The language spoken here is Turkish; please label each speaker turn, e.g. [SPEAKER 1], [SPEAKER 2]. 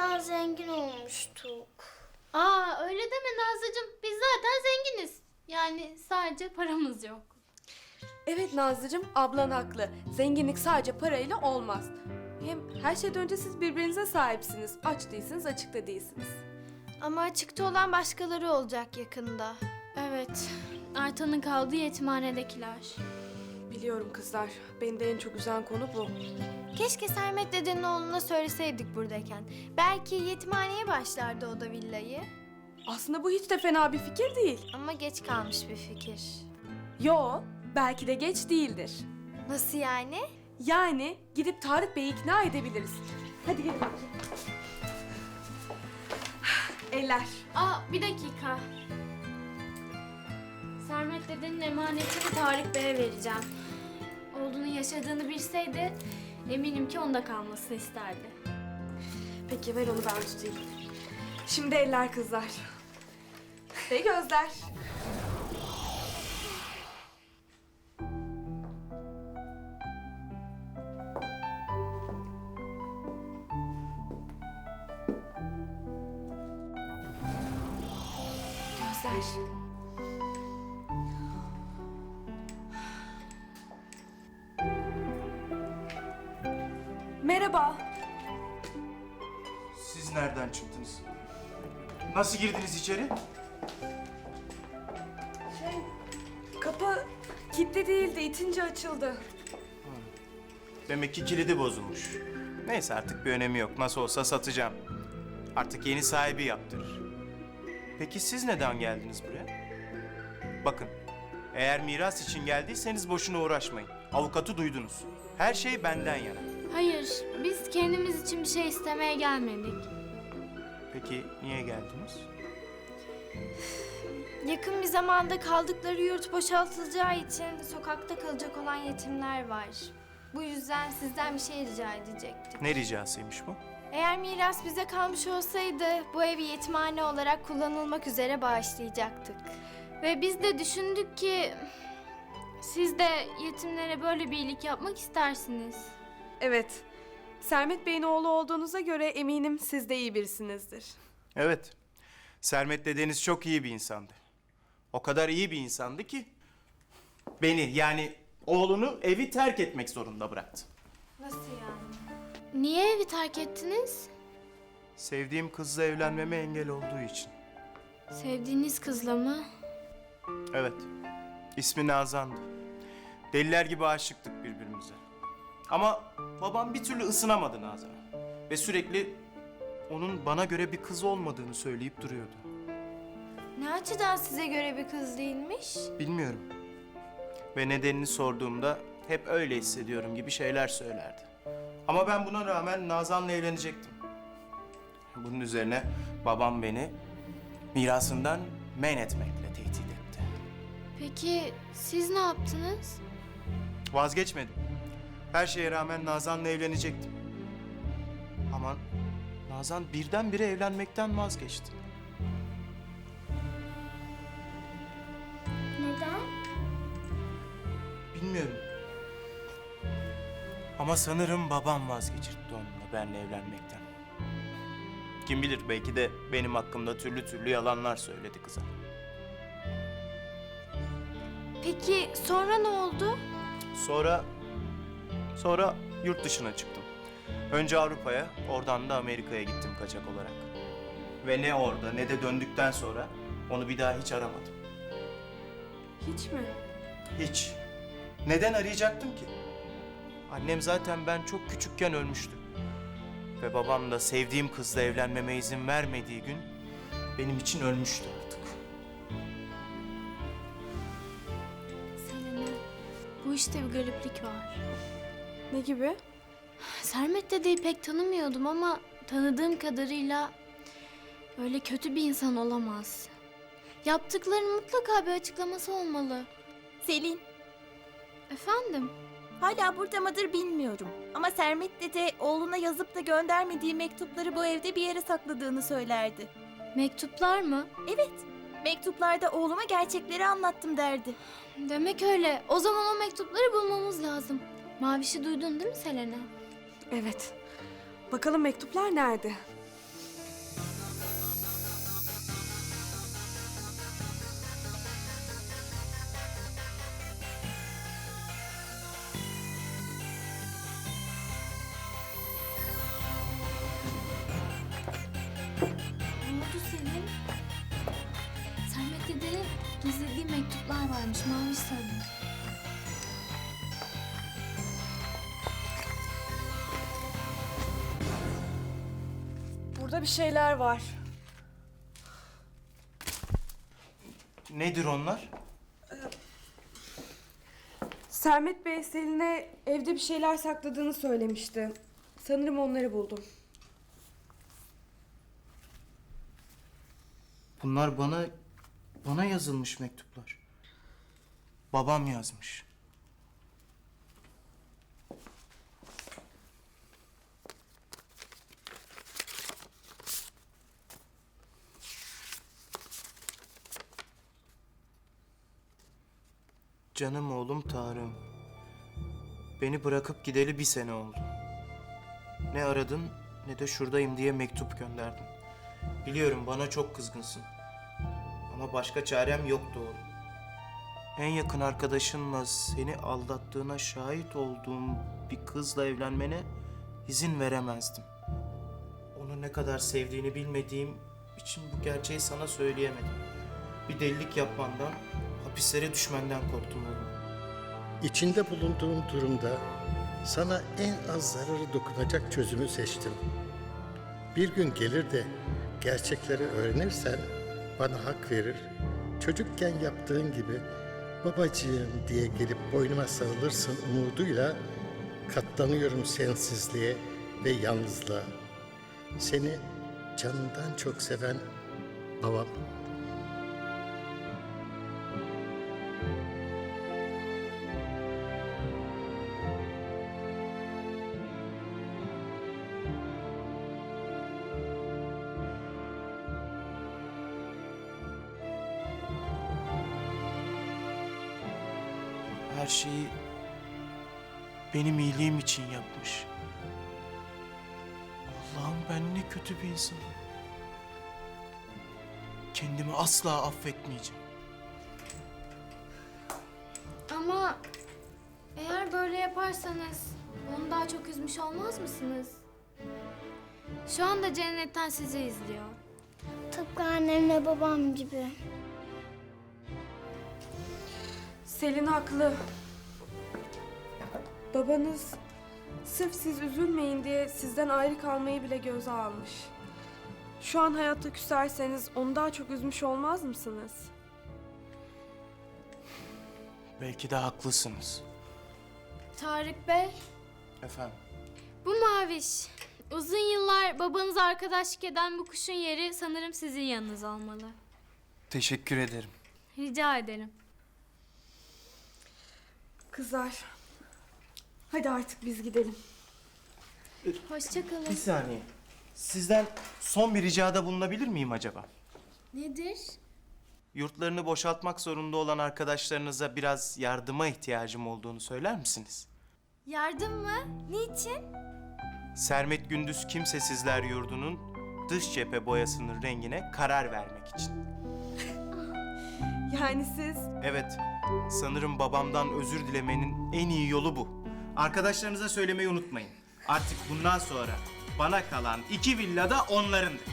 [SPEAKER 1] kadar zengin olmuştuk.
[SPEAKER 2] Aa öyle deme Nazlıcığım. Biz zaten zenginiz. Yani sadece paramız yok.
[SPEAKER 3] Evet Nazlıcığım, ablan haklı. Zenginlik sadece parayla olmaz. Hem her şeyden önce siz birbirinize sahipsiniz. Aç değilsiniz, açıkta değilsiniz.
[SPEAKER 4] Ama açıkta olan başkaları olacak yakında.
[SPEAKER 2] Evet. Aytan'ın kaldığı yetimhanedekiler.
[SPEAKER 3] Biliyorum kızlar. Beni de en çok üzen konu bu.
[SPEAKER 4] Keşke Sermet dedenin oğluna söyleseydik buradayken. Belki yetimhaneye başlardı o da villayı.
[SPEAKER 3] Aslında bu hiç de fena bir fikir değil.
[SPEAKER 4] Ama geç kalmış bir fikir.
[SPEAKER 3] Yo, belki de geç değildir.
[SPEAKER 4] Nasıl yani?
[SPEAKER 3] Yani gidip Tarık Bey'i ikna edebiliriz. Hadi gelin. Eller.
[SPEAKER 2] Aa bir dakika. Sermet dedenin emanetini Tarık Bey'e vereceğim. Oğlunun yaşadığını bilseydi eminim ki onda kalmasını isterdi.
[SPEAKER 3] Peki ver onu ben tutayım. Şimdi eller kızlar. Ve gözler. Gözler. Merhaba.
[SPEAKER 5] Siz nereden çıktınız? Nasıl girdiniz içeri?
[SPEAKER 3] Kapı kilitli değildi, itince açıldı.
[SPEAKER 5] Demek ki kilidi bozulmuş. Neyse artık bir önemi yok. Nasıl olsa satacağım. Artık yeni sahibi yaptırır. Peki siz neden geldiniz buraya? Bakın, eğer miras için geldiyseniz boşuna uğraşmayın. Avukatı duydunuz. Her şey benden yana.
[SPEAKER 2] Hayır, biz kendimiz için bir şey istemeye gelmedik.
[SPEAKER 5] Peki niye geldiniz?
[SPEAKER 4] Yakın bir zamanda kaldıkları yurt boşaltılacağı için sokakta kalacak olan yetimler var. Bu yüzden sizden bir şey rica edecektik.
[SPEAKER 5] Ne ricasıymış bu?
[SPEAKER 4] Eğer miras bize kalmış olsaydı bu evi yetimhane olarak kullanılmak üzere bağışlayacaktık.
[SPEAKER 2] Ve biz de düşündük ki siz de yetimlere böyle bir iyilik yapmak istersiniz.
[SPEAKER 3] Evet. Sermet Bey'in oğlu olduğunuza göre eminim siz de iyi birisinizdir.
[SPEAKER 5] Evet. Sermet dedeniz çok iyi bir insandı. O kadar iyi bir insandı ki beni yani oğlunu evi terk etmek zorunda bıraktı.
[SPEAKER 4] Nasıl yani?
[SPEAKER 2] Niye evi terk ettiniz?
[SPEAKER 5] Sevdiğim kızla evlenmeme engel olduğu için.
[SPEAKER 2] Sevdiğiniz kızla mı?
[SPEAKER 5] Evet. İsmi Nazan'dı. Deliler gibi aşıktık birbirimize. Ama babam bir türlü ısınamadı Nazan'a. Ve sürekli onun bana göre bir kız olmadığını söyleyip duruyordu.
[SPEAKER 4] Ne açıdan size göre bir kız değilmiş?
[SPEAKER 5] Bilmiyorum. Ve nedenini sorduğumda hep öyle hissediyorum gibi şeyler söylerdi. Ama ben buna rağmen Nazan'la evlenecektim. Bunun üzerine babam beni mirasından men etmekle tehdit etti.
[SPEAKER 2] Peki siz ne yaptınız?
[SPEAKER 5] Vazgeçmedim. Her şeye rağmen Nazan'la evlenecektim. Ama Nazan birdenbire evlenmekten vazgeçti.
[SPEAKER 1] Neden?
[SPEAKER 5] Bilmiyorum. Ama sanırım babam vazgeçirtti onunla benimle evlenmekten. Kim bilir belki de benim hakkımda türlü türlü yalanlar söyledi kıza.
[SPEAKER 4] Peki sonra ne oldu?
[SPEAKER 5] Sonra yurt dışına çıktım. Önce Avrupa'ya, oradan da Amerika'ya gittim kaçak olarak. Ve ne orada ne de döndükten sonra onu bir daha hiç aramadım.
[SPEAKER 3] Hiç mi?
[SPEAKER 5] Hiç. Neden arayacaktım ki? Annem zaten ben çok küçükken ölmüştü. Ve babam da sevdiğim kızla evlenmeme izin vermediği gün benim için ölmüştü artık.
[SPEAKER 2] Selena, bu işte bir gariplik var.
[SPEAKER 3] Ne gibi?
[SPEAKER 2] Sermet dedeyi pek tanımıyordum ama tanıdığım kadarıyla öyle kötü bir insan olamaz. Yaptıklarının mutlaka bir açıklaması olmalı.
[SPEAKER 6] Selin,
[SPEAKER 2] Efendim?
[SPEAKER 6] hala burada mıdır bilmiyorum. Ama Sermet dede oğluna yazıp da göndermediği mektupları bu evde bir yere sakladığını söylerdi.
[SPEAKER 2] Mektuplar mı?
[SPEAKER 6] Evet, mektuplarda oğluma gerçekleri anlattım derdi.
[SPEAKER 2] Demek öyle. O zaman o mektupları bulmamız lazım. Maviş'i duydun değil mi Selena?
[SPEAKER 3] Evet. Bakalım mektuplar nerede?
[SPEAKER 2] mektuplar varmış. Maviş sarı.
[SPEAKER 3] Burada bir şeyler var.
[SPEAKER 5] Nedir onlar?
[SPEAKER 3] Sermet Bey Selin'e evde bir şeyler sakladığını söylemişti. Sanırım onları buldum.
[SPEAKER 5] Bunlar bana yazılmış mektuplar. Babam yazmış. Canım oğlum Tarık'ım. Beni bırakıp gideli 1 sene oldu. Ne aradın ne de şuradayım diye mektup gönderdin. Biliyorum bana çok kızgınsın. Ama başka çarem yoktu oğlum. En yakın arkadaşınla seni aldattığına şahit olduğum bir kızla evlenmene izin veremezdim. Onu ne kadar sevdiğini bilmediğim için bu gerçeği sana söyleyemedim. Bir delilik yapmandan, hapislere düşmenden korktum oğlum.
[SPEAKER 7] İçinde bulunduğum durumda sana en az zararı dokunacak çözümü seçtim. Bir gün gelir de gerçekleri öğrenirsen bana hak verir, çocukken yaptığın gibi babacığım diye gelip boynuma sarılırsın umuduyla katlanıyorum sensizliğe ve yalnızlığa. Seni canından çok seven babam.
[SPEAKER 5] Her şeyi benim iyiliğim için yapmış. Allah'ım ben ne kötü bir insanım. Kendimi asla affetmeyeceğim.
[SPEAKER 2] Ama eğer böyle yaparsanız onu daha çok üzmüş olmaz mısınız? Şu anda cennetten sizi izliyor.
[SPEAKER 1] Tıpkı annemle babam gibi.
[SPEAKER 3] Selin haklı. Babanız sırf siz üzülmeyin diye sizden ayrı kalmayı bile göze almış. Şu an hayatta küserseniz onu daha çok üzmüş olmaz mısınız?
[SPEAKER 5] Belki de haklısınız.
[SPEAKER 2] Tarık Bey,
[SPEAKER 5] Efendim?
[SPEAKER 2] bu Maviş. Uzun yıllar babanız arkadaşlık eden bu kuşun yeri sanırım sizin yanınız olmalı.
[SPEAKER 5] Teşekkür ederim.
[SPEAKER 2] Rica ederim.
[SPEAKER 3] Kızlar, hadi artık biz gidelim.
[SPEAKER 2] Hoşça kalın.
[SPEAKER 5] Bir saniye. Sizden son bir ricada bulunabilir miyim acaba?
[SPEAKER 2] Nedir?
[SPEAKER 5] Yurtlarını boşaltmak zorunda olan arkadaşlarınıza biraz yardıma ihtiyacım olduğunu söyler misiniz?
[SPEAKER 4] Yardım mı? Niçin?
[SPEAKER 5] Sermet Gündüz Kimsesizler Yurdu'nun dış cephe boyasının rengine karar vermek için.
[SPEAKER 3] Yani siz...
[SPEAKER 5] Evet, sanırım babamdan özür dilemenin en iyi yolu bu. Arkadaşlarınıza söylemeyi unutmayın. Artık bundan sonra bana kalan 2 villa da onlarındır.